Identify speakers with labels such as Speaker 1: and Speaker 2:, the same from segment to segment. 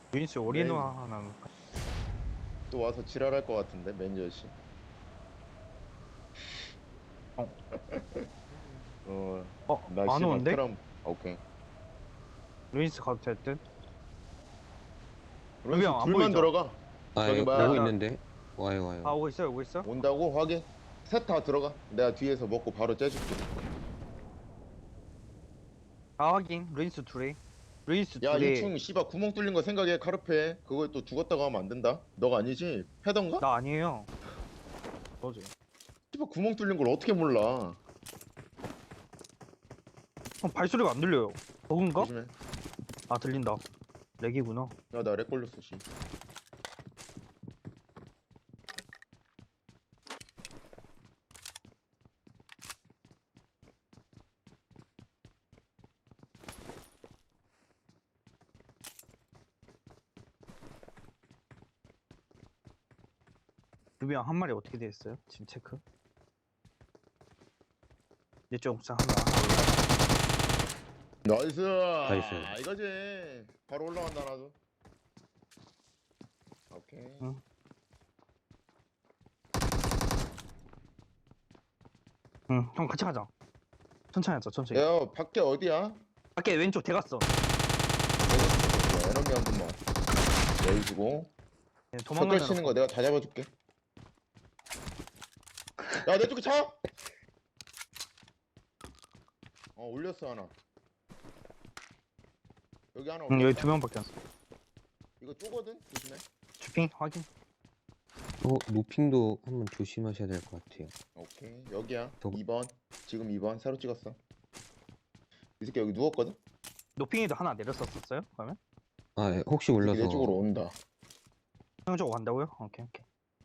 Speaker 1: 루인스 올인원 하나.
Speaker 2: 또 와서 지랄할 것 같은데 매니저씨.
Speaker 1: 어,
Speaker 2: 나
Speaker 1: 안
Speaker 2: 씨발
Speaker 1: 오는데?
Speaker 2: 크람. 오케이.
Speaker 1: 루인스 가도 될 듯? 루비
Speaker 2: 로이스
Speaker 1: 형 안
Speaker 2: 둘만
Speaker 1: 보이죠?
Speaker 2: 들어가.
Speaker 3: 아,
Speaker 2: 저기
Speaker 1: 나,
Speaker 3: 오고
Speaker 2: 뭐야.
Speaker 1: 나,
Speaker 3: 있는데? 와요, 와요.
Speaker 1: 오고 있어, 오고 있어?
Speaker 2: 온다고 확인. 셋 다 들어가. 내가 뒤에서 먹고 바로 째줄게.
Speaker 1: 확인. 루인스 둘이. 루인스
Speaker 2: 야,
Speaker 1: 둘이.
Speaker 2: 2층 씨발 구멍 뚫린 거 생각해. 카르페. 그거에 또 죽었다고 하면 안 된다. 너가 아니지? 패던가?
Speaker 1: 나 아니에요. 너지.
Speaker 2: 씨발 구멍 뚫린 걸 어떻게 몰라.
Speaker 1: 형 발소리가 안 들려요. 버그인가?
Speaker 2: 조심해.
Speaker 1: 아, 들린다. 렉이구나.
Speaker 2: 야, 나 렉 걸렸어, 씨.
Speaker 1: 루비 형 한 마리 어떻게 돼 있어요? 지금 체크. 내쪽 옥상 한 마리.
Speaker 2: 나이스.
Speaker 3: 나이스.
Speaker 2: 이거지. 바로 올라간다, 나도. 오케이.
Speaker 1: 응. 응, 형 같이 가자. 천천히 하자, 천천히.
Speaker 2: 야, 밖에 어디야?
Speaker 1: 밖에 왼쪽 대갔어.
Speaker 2: 에너미 한 번만. 내주고.
Speaker 1: 네,
Speaker 2: 석결
Speaker 1: 도망가는
Speaker 2: 치는 거 내가 다 잡아줄게. 야, 내 쪽에 차! 올렸어, 하나. 여기 하나 올렸어.
Speaker 1: 응, 여기 두 명밖에 안 써.
Speaker 2: 이거 쪼거든? 조심해.
Speaker 1: 주핑 확인.
Speaker 3: 노핑도 한번 조심하셔야 될 것 같아요.
Speaker 2: 오케이. 여기야.
Speaker 3: 저거-
Speaker 2: 2번. 지금 2번. 새로 찍었어. 이 새끼 여기 누웠거든?
Speaker 1: 노핑에도 하나 내렸었어요? 그러면?
Speaker 3: 아, 예, 혹시
Speaker 2: 이 새끼
Speaker 3: 올라서.
Speaker 2: 내 쪽으로 온다.
Speaker 1: 형 저거 간다고요? 오케이, 오케이.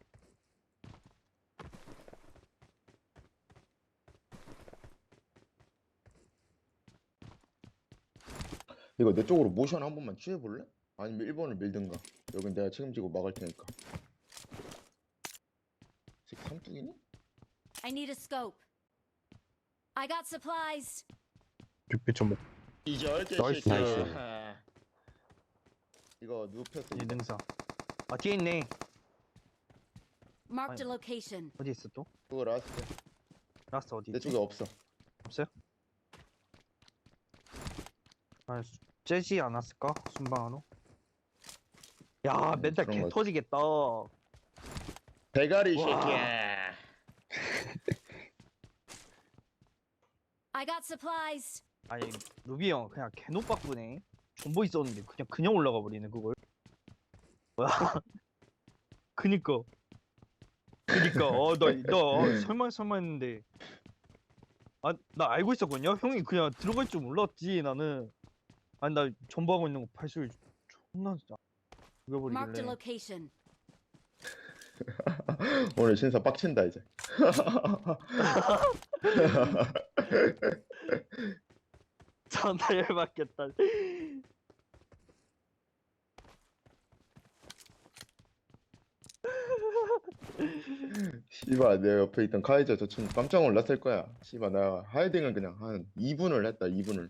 Speaker 2: 이거 내 쪽으로 모션 한 번만 취해볼래? 아니면 1번을 밀든가. 여긴 내가 책임지고 막을 테니까. 이 새끼 삼뚝이니?
Speaker 4: I need a scope. I got supplies.
Speaker 1: 6.5.
Speaker 2: 이절
Speaker 1: 나이스.
Speaker 3: 나이스.
Speaker 2: 이거 눕혔어.
Speaker 1: 이 능사. 아, 뒤에 있네.
Speaker 4: Marked a
Speaker 1: Fine.
Speaker 4: location.
Speaker 1: 어디 있어 또?
Speaker 2: 그거 라스트.
Speaker 1: 라스트 어디
Speaker 2: 내
Speaker 1: 있지?
Speaker 2: 쪽에 없어.
Speaker 1: 없어요? 아, 째지 않았을까? 순방으로? 야, 멘탈
Speaker 2: 그런
Speaker 1: 개
Speaker 2: 거
Speaker 1: 터지겠다.
Speaker 2: 대가리
Speaker 1: 와.
Speaker 2: 새끼야.
Speaker 4: I got supplies.
Speaker 1: 아니, 루비 형 그냥 개노빠꾸네. 존버 있었는데 그냥 올라가 버리네 그걸. 뭐야? 그니까. 나 설마 했는데. 아, 나 알고 있었거든요? 형이 그냥 들어갈 줄 몰랐지, 나는. 아니, 나 존버하고 있는 거 발소리 존나 진짜.
Speaker 4: Marked a
Speaker 1: 죽여버리길래.
Speaker 4: location.
Speaker 2: 오늘 신사 빡친다 이제.
Speaker 1: 존나 열받겠다.
Speaker 2: 씨발 내 옆에 있던 카이저 저 친구 깜짝 놀랐을 거야. 씨발 나 하이딩을 그냥 한 2분을 했다 2분을.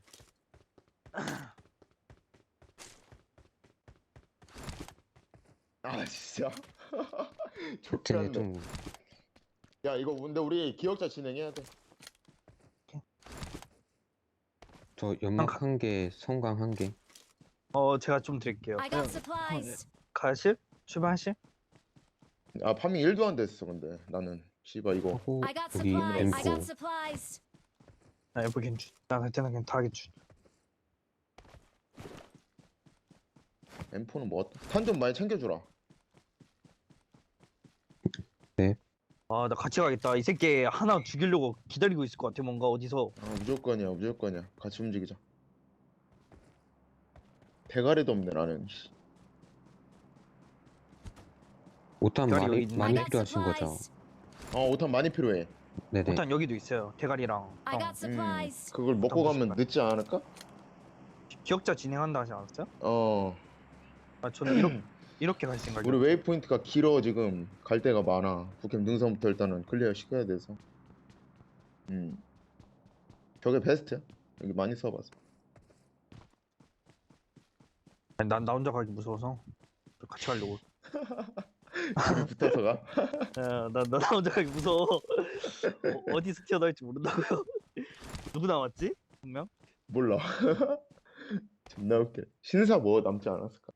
Speaker 2: 아 진짜.
Speaker 3: 쟤네
Speaker 2: 좋겠네.
Speaker 3: 좀,
Speaker 2: 야 이거 근데 우리 기억자 진행해야 돼.
Speaker 3: 저 연막 한 개, 성광 한 개.
Speaker 1: 제가 좀 드릴게요.
Speaker 4: I got supplies.
Speaker 1: 가실? 출발하실?
Speaker 2: 아 파밍 1도 안 됐어 근데 나는 씨발 이거
Speaker 3: 하고,
Speaker 4: I got
Speaker 3: 여기
Speaker 4: supplies. I got
Speaker 3: M4.
Speaker 4: supplies.
Speaker 1: 나 여보 괜찮. 나 그냥 다 괜찮.
Speaker 2: M4는 뭐 탄 좀 많이 챙겨주라.
Speaker 1: 아, 나 같이 가겠다. 이 새끼 하나 죽이려고 기다리고 있을 것 같아. 뭔가 어디서.
Speaker 2: 아 무조건이야 무조건이야. 같이 움직이자. 대가리도 없네 나는.
Speaker 3: 오탄
Speaker 1: 별이
Speaker 3: 많이,
Speaker 1: 여기 있네.
Speaker 4: I
Speaker 3: 많이
Speaker 4: got
Speaker 3: 필요하신 거죠?
Speaker 4: supplies.
Speaker 2: 오탄 많이 필요해.
Speaker 3: 네네.
Speaker 1: 일단 여기도 있어요. 대가리랑.
Speaker 4: I got supplies.
Speaker 2: 그걸 먹고 가면 늦지 않을까?
Speaker 1: 기억자 진행한다 하지 않았어요?
Speaker 2: 어.
Speaker 1: 아, 저는 이렇게 갈 생각이에요.
Speaker 2: 우리 웨이포인트가 길어 지금 갈 데가 많아. 북캠 능선부터 일단은 클리어 시켜야 돼서. 저게 베스트야. 여기 많이 써봐서.
Speaker 1: 아니, 나 혼자 가기 무서워서 같이 가려고.
Speaker 2: 둘이 붙어서 가?
Speaker 1: 야, 나 혼자 가기 무서워. 어디서 튀어나올지 모른다고요. 누구 남았지? 분명?
Speaker 2: 몰라. 존나 웃겨. 신사 뭐 남지 않았을까?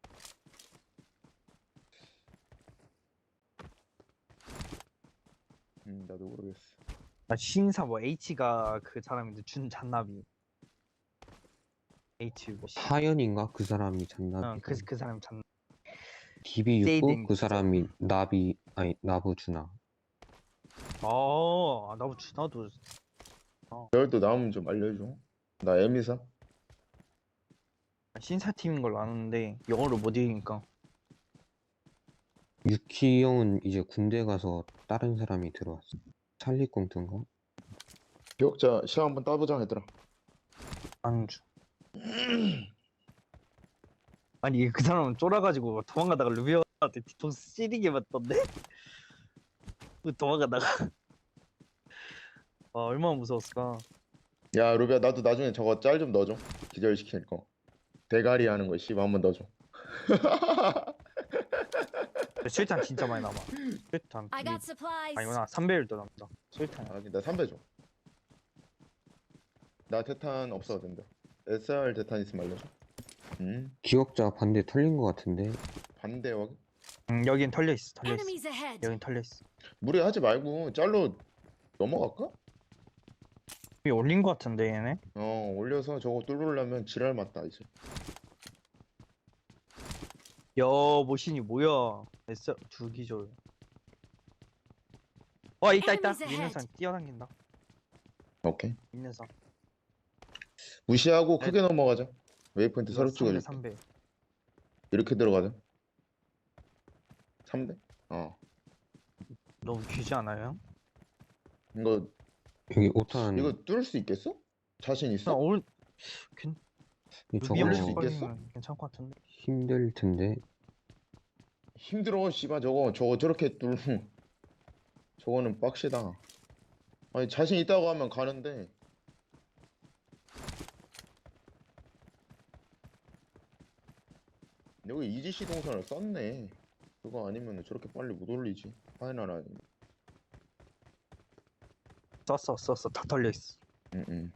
Speaker 2: 나도 모르겠어.
Speaker 1: 아, 신사 뭐 H가 그 사람인데 준 잔나비. H 뭐 씨.
Speaker 3: 하연인가? 그 사람이 잔나비.
Speaker 1: 그 사람 잔.
Speaker 3: DB 육고
Speaker 1: 세이딩
Speaker 3: 그
Speaker 1: 진짜.
Speaker 3: 사람이 나비 아니 나부 주나.
Speaker 1: 아, 나도 나도
Speaker 2: 너도 나오면 좀 알려줘. 나 에미사.
Speaker 1: 신사 팀인 걸로 아는데 영어를 못 읽으니까.
Speaker 3: 유키 형은 이제 군대 가서 다른 사람이 들어왔어. 찰리 꽁트인가?
Speaker 2: 기억자 시험 한번 따보자 얘들아.
Speaker 1: 안주. 아니 그 사람은 쫄아가지고 도망가다가 루비언한테 뒤통수 찌르게 맞던데? 그 도망가다가 아 얼마나 무서웠을까.
Speaker 2: 야 루비야 나도 나중에 저거 짤 좀 넣어줘. 기절시킬 거. 대가리 하는 거 씨발 한번 넣어줘.
Speaker 1: 실탄 진짜 많이 남아. 실탄
Speaker 4: I got supplies.
Speaker 1: 아니구나 3배율도 남다. 실탄.
Speaker 2: 아, 나 3배 줘. 나 대탄 없어도 된다. SR 대탄 있으면 알려줘.
Speaker 3: 기억자 반대 털린 것 같은데.
Speaker 2: 반대 확인.
Speaker 1: 여긴 털려 있어. 털려 있어.
Speaker 4: Enemies ahead.
Speaker 1: 여긴 털려 있어.
Speaker 2: 무리하지 말고 짤로 넘어갈까?
Speaker 1: 위 올린 거 같은데 얘네.
Speaker 2: 올려서 저거 뚫으려면 지랄 맞다 이제.
Speaker 1: 야 모신이 뭐야? S 두 기절. 있다.
Speaker 4: Enemies
Speaker 1: 있는
Speaker 4: ahead.
Speaker 1: 산 뛰어당긴다.
Speaker 2: 오케이.
Speaker 1: 있는 산.
Speaker 2: 무시하고
Speaker 1: 네.
Speaker 2: 크게 넘어가자. 웨이포인트 새로
Speaker 1: 3배
Speaker 2: 찍어줄게.
Speaker 1: 3배.
Speaker 2: 이렇게 들어가자. 3대?
Speaker 1: 너무 귀지 않아요?
Speaker 2: 이거
Speaker 3: 여기 5탄
Speaker 2: 이거 뚫을 수 있겠어? 자신
Speaker 1: 나
Speaker 2: 있어?
Speaker 1: 오늘
Speaker 3: 저거
Speaker 2: 올릴 수
Speaker 1: 루비언
Speaker 2: 있겠어?
Speaker 1: 걸리면 괜찮을 것 같은데.
Speaker 3: 힘들 텐데.
Speaker 2: 힘들어 씨발 저거 저렇게 뚫 저거는 빡시다. 아니 자신 있다고 하면 가는데 여기 이지씨 동선을 썼네. 그거 아니면 저렇게 빨리 못 올리지. 파이널 아니면.
Speaker 1: 썼어 다 털려 있어.
Speaker 2: 응.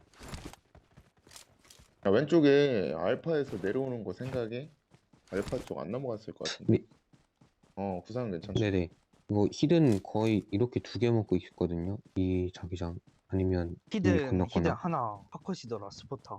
Speaker 2: 야, 왼쪽에 알파에서 내려오는 거 생각해? 알파 쪽 안 넘어갔을 것 같은데.
Speaker 3: 네.
Speaker 2: 구상은 괜찮다.
Speaker 3: 네네. 이거 히든 거의 이렇게 2개 먹고 있거든요. 이 자기장 아니면 이미
Speaker 1: 히든
Speaker 3: 건넜거나.
Speaker 1: 하나 파컷이더라. 스포터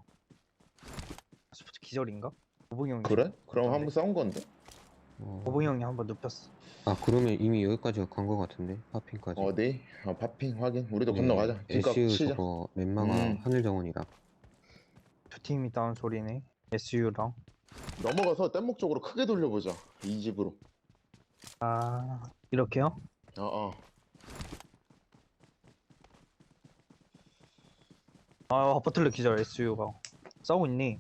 Speaker 1: 기절인가? 보봉이 형이
Speaker 2: 그래? 그럼
Speaker 1: 어떤데?
Speaker 2: 한번 싸운 건데?
Speaker 1: 보봉이 형이 한번 눕혔어.
Speaker 3: 그러면 이미 여기까지 간 것 같은데 파핑까지.
Speaker 2: 어디? 파핑 확인. 우리도
Speaker 3: 네,
Speaker 2: 건너가자. 뒷각
Speaker 3: SU
Speaker 2: 치자.
Speaker 3: 저거 넷마가 하늘 정원이라.
Speaker 1: 두 팀이 다운 소리네. SU랑.
Speaker 2: 넘어가서 뗏목 쪽으로 크게 돌려보자. 이 집으로.
Speaker 1: 이렇게요? 버틀러 기절 SU가 싸우고 있니?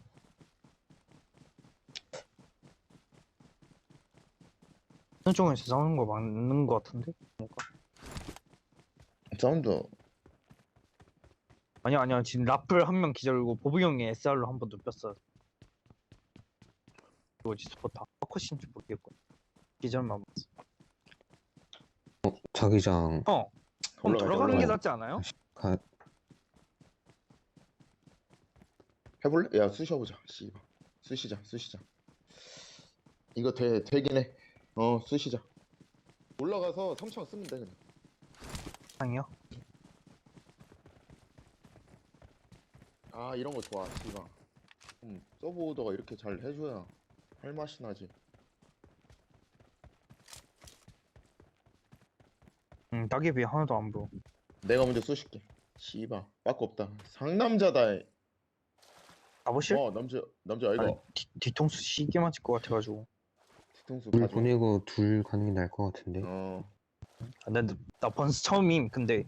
Speaker 1: 어느 쪽에서 싸우는 거 맞는 거 같은데? 뭔가?
Speaker 2: 사운드.
Speaker 1: 아니야 지금 라플 한 명 기절이고 보부 형이 SR로 한 번 눕혔어. 이거지 스포터 퍼컷인지 모르겠고 기절만 봤어.
Speaker 3: 자기장
Speaker 1: 그럼
Speaker 2: 올라가자,
Speaker 1: 들어가는 게
Speaker 2: 올라가자.
Speaker 1: 낫지 않아요?
Speaker 3: 가,
Speaker 2: 해볼래? 야 쑤셔보자. 씨발. 쑤시자. 이거 되긴 해. 쑤시자. 올라가서 3창 쓰면 돼 그냥.
Speaker 1: 상이요?
Speaker 2: 이런 거 좋아. 씨발. 서브 오더가 이렇게 잘 해줘야 할 맛이 나지.
Speaker 1: 낙엽이 하나도 안 보여.
Speaker 2: 내가 먼저 쑤실게. 씨발. 빠꾸 없다. 상남자다.
Speaker 1: 가보실?
Speaker 2: 남자 아이가.
Speaker 1: 아니, 뒤통수 시게 맞을 것 같아가지고.
Speaker 2: 뒤통수
Speaker 3: 둘
Speaker 2: 가져.
Speaker 3: 보내고 둘 가는 게 나을 것 같은데.
Speaker 1: 나 번스 처음임. 근데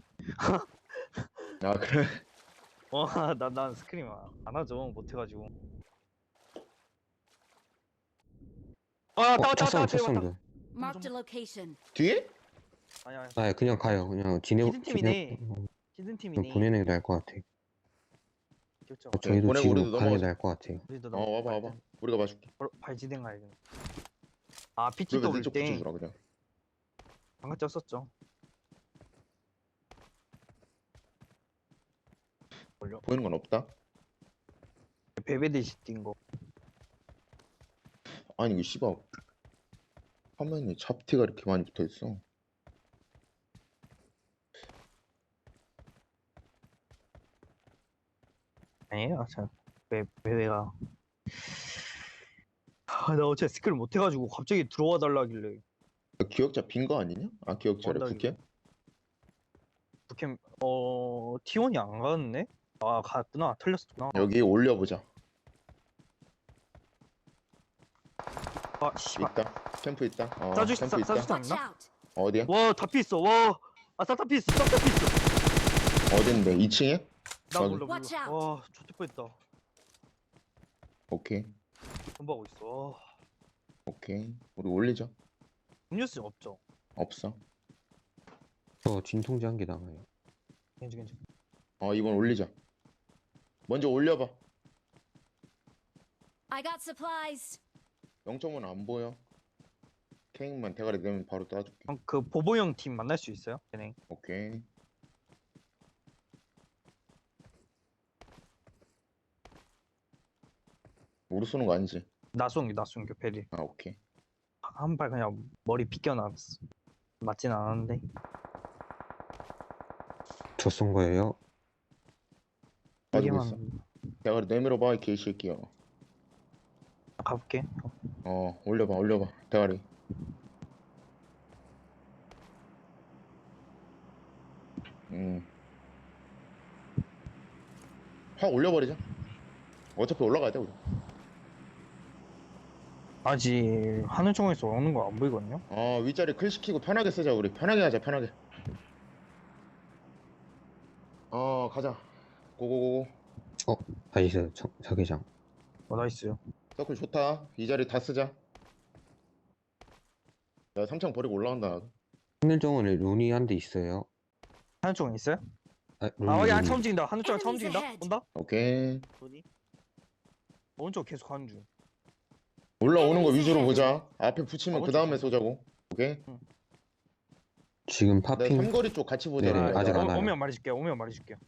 Speaker 2: 그래?
Speaker 1: 난 스크림 안 하죠. 못해가지고.
Speaker 3: 첫 사운드.
Speaker 4: Marked a location.
Speaker 2: 뒤에?
Speaker 1: 아니야.
Speaker 3: 그냥 가요. 그냥
Speaker 1: 히든 팀이네. 히든
Speaker 3: 그냥
Speaker 1: 팀이네.
Speaker 3: 보내는 게 나을 것 같아.
Speaker 1: 기억자.
Speaker 3: 저희도
Speaker 2: 보내고
Speaker 3: 지금
Speaker 2: 우리도
Speaker 3: 가는 게
Speaker 2: 넘어가자.
Speaker 3: 나을 것 같아요.
Speaker 1: 우리도
Speaker 2: 와봐 와봐. 우리가 봐줄게.
Speaker 1: 발지된 가야겠네. 아
Speaker 2: 그리고
Speaker 1: PTW
Speaker 2: 내쪽
Speaker 1: 때
Speaker 2: 붙여주라 그냥.
Speaker 1: 방금 쪘었죠. 걸려.
Speaker 2: 보이는 건 없다.
Speaker 1: 베베드시 뛴 거.
Speaker 2: 아니 이거 씨발 화면에 잡티가 이렇게 많이 붙어있어.
Speaker 1: 아니에요. 저 베베가. 나 어제 스킬 못 해가지고 갑자기 들어와 달라길래
Speaker 2: 기억자 빈 거 아니냐? 아 기억자래
Speaker 1: 원당이.
Speaker 2: 부캐?
Speaker 1: 부캠 T1이 안 갔네? 아 갔구나. 틀렸었구나.
Speaker 2: 여기 올려보자.
Speaker 1: 아 씨발.
Speaker 2: 있다. 캠프 있다.
Speaker 1: 싸줄 수
Speaker 2: 캠프
Speaker 1: 있어,
Speaker 2: 있다.
Speaker 1: 싸줄 수
Speaker 4: Watch
Speaker 1: 있나?
Speaker 4: out!
Speaker 2: 어디야?
Speaker 1: 와 다 피했어. 와. 아 싹 다 피했어. 싹 다 피했어.
Speaker 2: 어딘데? 2층에?
Speaker 1: 나
Speaker 2: 저기.
Speaker 1: 몰라 몰라.
Speaker 4: Watch out.
Speaker 1: 와 좋을 뻔했다.
Speaker 2: 오케이.
Speaker 1: 공부하고 있어. 와,
Speaker 2: 오케이. 우리 올리자.
Speaker 1: 음료수 없죠?
Speaker 2: 없어.
Speaker 3: 저 진통제 한 개 남아요.
Speaker 1: 괜찮.
Speaker 2: 이번 올리자. 먼저 올려봐.
Speaker 4: I got supplies.
Speaker 2: 0.5는 안 보여. 케이크만 대가리 내면 바로 따줄게.
Speaker 1: 그럼 그 보보형 팀 만날 수 있어요? 걔네.
Speaker 2: 오케이. 우리 쏘는 거 아니지?
Speaker 1: 나송 베리.
Speaker 2: 아 오케이.
Speaker 1: 한 발 그냥 머리 빗겨놨어. 맞진 않았는데.
Speaker 3: 저 쏜 거예요.
Speaker 2: 가지고
Speaker 1: 이게만
Speaker 2: 있어. 대가리 내밀어봐 이 개새끼야.
Speaker 1: 가볼게.
Speaker 2: 올려봐 대가리. 확 올려버리자. 어차피 올라가야 돼 우리.
Speaker 1: 아직 하늘총에서 오는 거 안 보이거든요?
Speaker 2: 윗자리 클 시키고 편하게 쓰자 우리. 편하게 하자 편하게. 가자. 고고고고.
Speaker 3: 나이스 자기장.
Speaker 1: 나이스요.
Speaker 2: 서클 좋다. 이 자리 다 쓰자. 야 3창 버리고 올라간다.
Speaker 3: 하늘정원에 룬이 한 대 있어요.
Speaker 1: 하늘총에 있어요?
Speaker 3: 룬이
Speaker 1: 야
Speaker 3: 룬이.
Speaker 1: 처음 찍는다. 하늘총에 처음
Speaker 4: Enemies
Speaker 1: 찍는다.
Speaker 4: ahead.
Speaker 1: 온다?
Speaker 2: 오케이.
Speaker 1: 어디? 오른쪽 계속 가는 중.
Speaker 2: 올라오는 거
Speaker 4: Enemies
Speaker 2: 위주로
Speaker 4: ahead.
Speaker 2: 보자. 앞에 붙이면 그 다음에 쏘자고. 오케이.
Speaker 3: 지금
Speaker 2: 내가
Speaker 3: 파핑.
Speaker 2: 삼거리 쪽 같이 보자.
Speaker 3: 네네,
Speaker 2: 얘들아.
Speaker 3: 아직 안 와요.
Speaker 1: 오면 말해줄게요.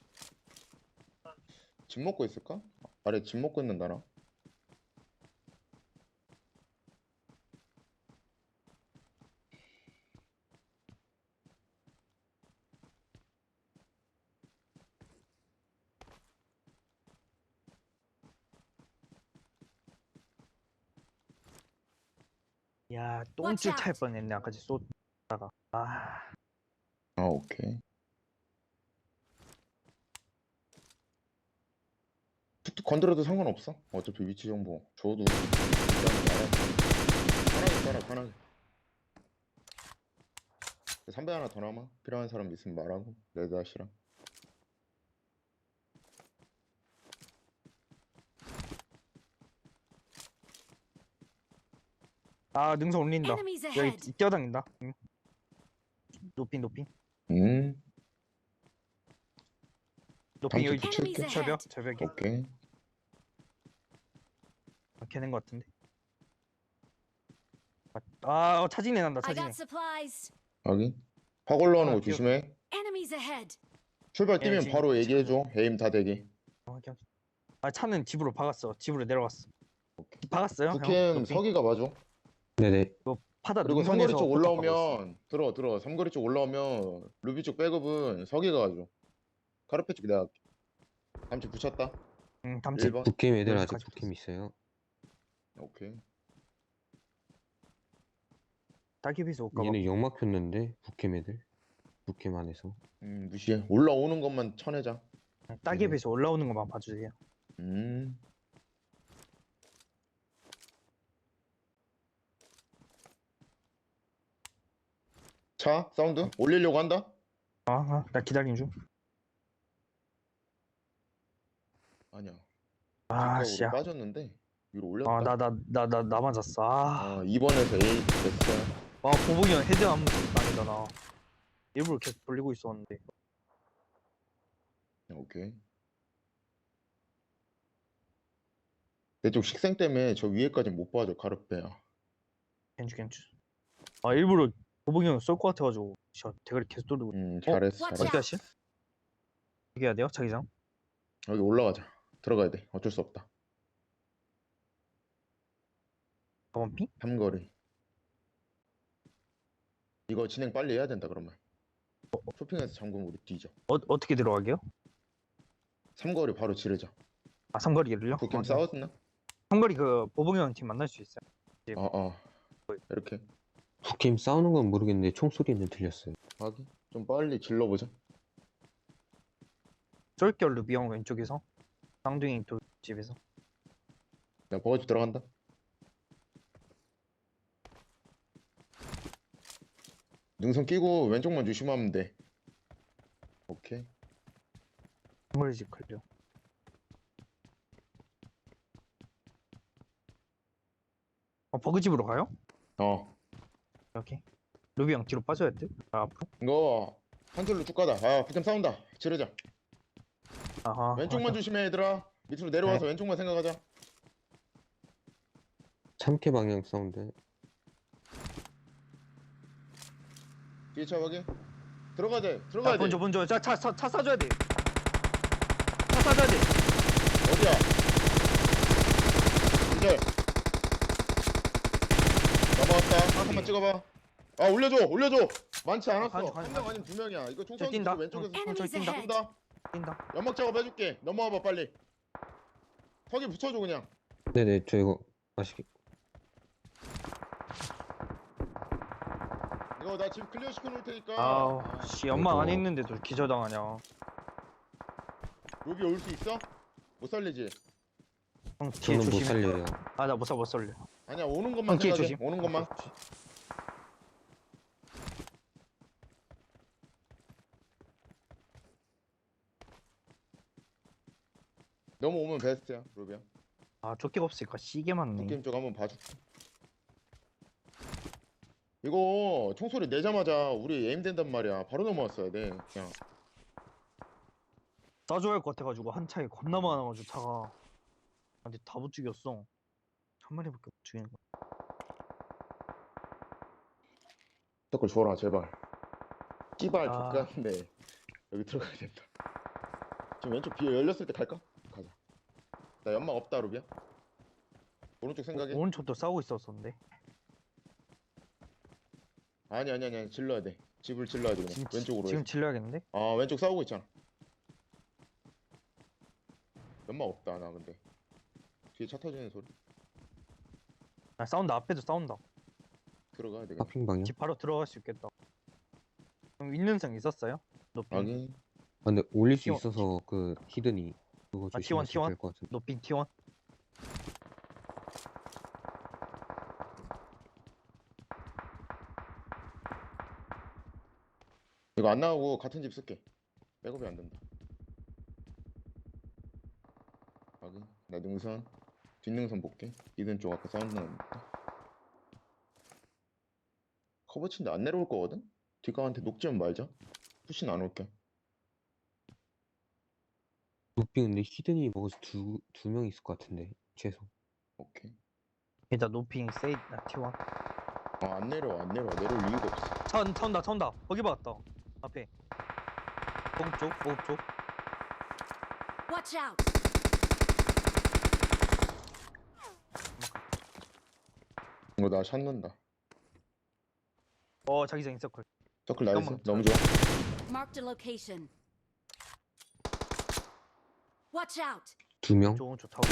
Speaker 2: 집 먹고 있을까? 아래 집 먹고 있는다 나.
Speaker 1: 야
Speaker 4: Watch
Speaker 1: 똥줄
Speaker 4: out.
Speaker 1: 탈 뻔했네. 아까지 쏟다가.
Speaker 2: 오케이. 툭툭 건드려도 상관없어. 어차피 위치 정보 줘도 편하게 따라 편하게. 선배 하나 더 남아. 필요한 사람 있으면 말하고. 레드아시랑.
Speaker 1: 능선 올린다.
Speaker 4: Enemies
Speaker 1: 여기
Speaker 4: ahead.
Speaker 1: 뛰어다닌다. 응. 높이.
Speaker 2: 음.
Speaker 1: 높이 여기
Speaker 2: 잠시
Speaker 4: Enemies
Speaker 2: 붙일게.
Speaker 4: ahead.
Speaker 1: 절벽이.
Speaker 2: 오케이.
Speaker 1: 걔는 것 같은데. 차진이 난다.
Speaker 4: I
Speaker 1: 차진이.
Speaker 4: got supplies.
Speaker 2: 확인. 확 올라오는 거
Speaker 1: 기억-
Speaker 2: 조심해.
Speaker 4: Enemies ahead.
Speaker 2: 출발 뛰면
Speaker 1: 지금
Speaker 2: 바로 얘기해줘. 에임 다 대기.
Speaker 1: 오케이. 차는 집으로 박았어. 집으로 내려갔어.
Speaker 2: 오케이.
Speaker 1: 박았어요? 형?
Speaker 2: 북캠
Speaker 1: 높이?
Speaker 2: 서기가 봐줘.
Speaker 3: 네네.
Speaker 1: 파다
Speaker 2: 그리고
Speaker 1: 능선에서
Speaker 2: 삼거리 쪽
Speaker 1: 포탑 박았어.
Speaker 2: 올라오면 들어. 삼거리 쪽 올라오면 루비 쪽 백업은 서기가 가줘. 카르페 쪽 내가 할게. 잠시 붙였다.
Speaker 1: 응, 담치.
Speaker 2: 1번.
Speaker 3: 북캠 애들
Speaker 1: 그래서
Speaker 3: 아직
Speaker 1: 가지고
Speaker 3: 북캠 있어요.
Speaker 2: 오케이.
Speaker 1: 딸기비서 올까 봐.
Speaker 3: 얘네 연막 폈는데 북캠 애들. 북캠 안에서.
Speaker 2: 무시해. 올라오는 것만 쳐내자.
Speaker 1: 딸기비서 올라오는 것만 봐주세요.
Speaker 2: 음. 차 사운드 올리려고 한다.
Speaker 1: 나 기다리는 중.
Speaker 2: 아니야.
Speaker 1: 아,
Speaker 2: 직각으로
Speaker 1: 씨야.
Speaker 2: 빠졌는데 위로 올렸다.
Speaker 1: 나 맞았어.
Speaker 2: 2번에서 A 됐어.
Speaker 1: 보복이 형 헤드 한번 당이다 나. 일부러 계속 돌리고 있었는데.
Speaker 2: 오케이. 내 쪽 식생 때문에 저 위에까지 못 봐줘 카르페야.
Speaker 1: 괜찮. 아 일부러 도봉이 형 쏠 것 같아가지고 저 대가리 계속 돌리고.
Speaker 2: 잘했어
Speaker 4: Watch
Speaker 2: 잘했어.
Speaker 1: 어떻게 하실? 어떻게 해야 돼요, 자기장?
Speaker 2: 여기 올라가자. 들어가야 돼. 어쩔 수 없다.
Speaker 1: 4번 핑?
Speaker 2: 삼거리. 이거 진행 빨리 해야 된다 그러면. 쇼핑에서 잠그면 우리 뒤져.
Speaker 1: 어떻게 들어가게요?
Speaker 2: 삼거리 바로 지르자.
Speaker 1: 아 삼거리를요?
Speaker 2: 북캠
Speaker 1: 아,
Speaker 2: 싸웠나?
Speaker 1: 삼거리 그 보봉이 형 팀 만날 수 있어요.
Speaker 2: 이렇게
Speaker 3: 북팀 싸우는 건 모르겠는데 총소리는 들렸어요.
Speaker 2: 하기 좀 빨리 질러보자.
Speaker 1: 쏠겨 루비 형 왼쪽에서 쌍둥이 집에서.
Speaker 2: 나 버거지 들어간다. 능선 끼고 왼쪽만 조심하면 돼. 오케이.
Speaker 1: 삼거리 집 걸려. 버그집으로 가요? 오케이. 루비 형 뒤로 빠져야 돼. 아, 앞으로.
Speaker 2: 이거 한 줄로 쭉 가다. 북캠 싸운다. 지르자.
Speaker 1: 아하.
Speaker 2: 왼쪽만 조심해 얘들아. 밑으로 내려와서 왼쪽만 생각하자.
Speaker 3: 참깨 방향 사운드.
Speaker 2: 뒤에 차 확인. 들어가야 돼.
Speaker 1: 먼저. 차 싸줘야 돼. 차 싸줘야 돼.
Speaker 2: 어디야? 기절. 넘어왔다. 한번 찍어봐. 올려줘. 많지 않았어.
Speaker 1: 가져.
Speaker 2: 한 명 아니면 두 명이야. 이거 총
Speaker 1: 저
Speaker 2: 쏘는
Speaker 1: 뛴다.
Speaker 2: 거 왼쪽에서
Speaker 4: Enemies
Speaker 1: 뛴다.
Speaker 4: ahead.
Speaker 2: 쏜다.
Speaker 1: 뛴다.
Speaker 2: 연막 작업 해줄게. 넘어와봐 빨리. 석이 붙여줘 그냥.
Speaker 3: 네네, 저 이거 맛있게.
Speaker 2: 이거 나 지금 클리어 시켜놓을 테니까.
Speaker 1: 아우, 씨 연막 안에
Speaker 3: 아이고.
Speaker 1: 있는데도 기절당하냐.
Speaker 2: 로비 올 수 있어? 못 살리지?
Speaker 1: 형 뒤에
Speaker 3: 저는 못
Speaker 1: 조심해.
Speaker 3: 살려요.
Speaker 1: 아, 나 못 살려.
Speaker 2: 아니야 오는 것만
Speaker 1: 형 뒤에
Speaker 2: 생각해.
Speaker 1: 조심.
Speaker 2: 오는 것만. 넘어오면 베스트야 로비야.
Speaker 1: 아, 조끼가 없으니까 시계 맞네.
Speaker 2: 게임 쪽 한번 봐줄게. 이거 총소리 내자마자 우리 에임 된단 말이야. 바로 넘어왔어야 돼. 그냥
Speaker 1: 싸줘야 할 것 같아가지고 한 차에 겁나 많아가지고 차가. 아, 근데 다 못 죽였어. 한 마리밖에 못 죽이는 거야.
Speaker 2: 댓글 줘라 제발. 씨발
Speaker 1: 아.
Speaker 2: 족같네. 여기 들어가야 된다. 지금 왼쪽 비어 열렸을 때 갈까? 가자. 나 연막 없다 루비야. 오른쪽 생각해.
Speaker 1: 오른쪽도 싸우고 있었었는데.
Speaker 2: 아니 질러야 돼. 집을 질러야 돼 그냥. 왼쪽으로
Speaker 1: 지금
Speaker 2: 해서.
Speaker 1: 질러야겠는데?
Speaker 2: 왼쪽 싸우고 있잖아. 연막 없다 나 근데. 뒤에 차 터지는 소리.
Speaker 1: 아, 싸운다. 앞에도 싸운다.
Speaker 2: 들어가야 돼. 그냥.
Speaker 3: 파핑 방향.
Speaker 1: 집 바로 들어갈 수 있겠다. 그럼 있는 성 있었어요? 높이.
Speaker 2: 확인.
Speaker 3: 아, 근데 올릴 수
Speaker 1: T1.
Speaker 3: 있어서 그 히든이 그거
Speaker 1: 아, T1,
Speaker 3: 조심하시면 될 것 같은데.
Speaker 1: 높이 T1.
Speaker 2: 이거 안 나오고 같은 집 쓸게. 백업이 안 된다. 확인. 나 능선. 뒷능선 볼게. 이든 쪽 아까 사운드 나니까. 커버 친데 안 내려올 거거든? 뒷강한테 녹지면 말자. 푸신 안 올게.
Speaker 3: 루피 근데 히든이 먹어서 두 명 있을 것 같은데 최소.
Speaker 2: 오케이.
Speaker 1: 일단 높이 세이 나 T1.
Speaker 2: 안 내려올 이유가 없어.
Speaker 1: 차 온다. 거기 봤다. 앞에. 보급 쪽.
Speaker 4: Watch out.
Speaker 2: 이거 나 샷는다.
Speaker 1: 자기장 인서클.
Speaker 2: 서클 나이스.
Speaker 1: 잠깐만.
Speaker 2: 너무 좋아.
Speaker 4: Marked a location. Watch out.
Speaker 3: 두 명?
Speaker 1: 좋은 쪽 타고.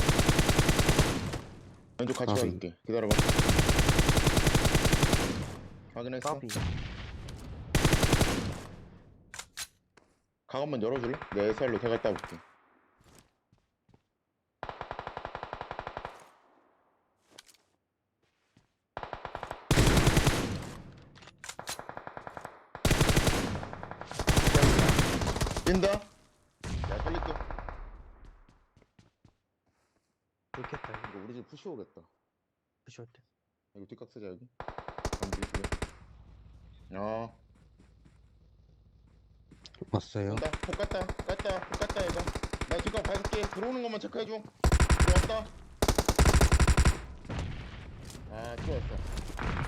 Speaker 2: 왼쪽 같이
Speaker 3: 까비.
Speaker 2: 가줄게. 기다려봐. 확인했어.
Speaker 1: 까비.
Speaker 2: 강 한번 열어줄래? 내 SR로 대갈 따볼게. 뛴다. 야 살릴게.
Speaker 1: 좋겠다. 이거.
Speaker 2: 이거 우리 집 푸시 오겠다.
Speaker 1: 부셔올 때.
Speaker 2: 이거 뒷각 쓰자 여기. 전지 두 개.
Speaker 3: 왔어요.
Speaker 2: 온다. 폭 갔다 이거. 나 뒷각 봐줄게. 들어오는 것만 체크해줘. 들어왔다. 아, 들어왔어.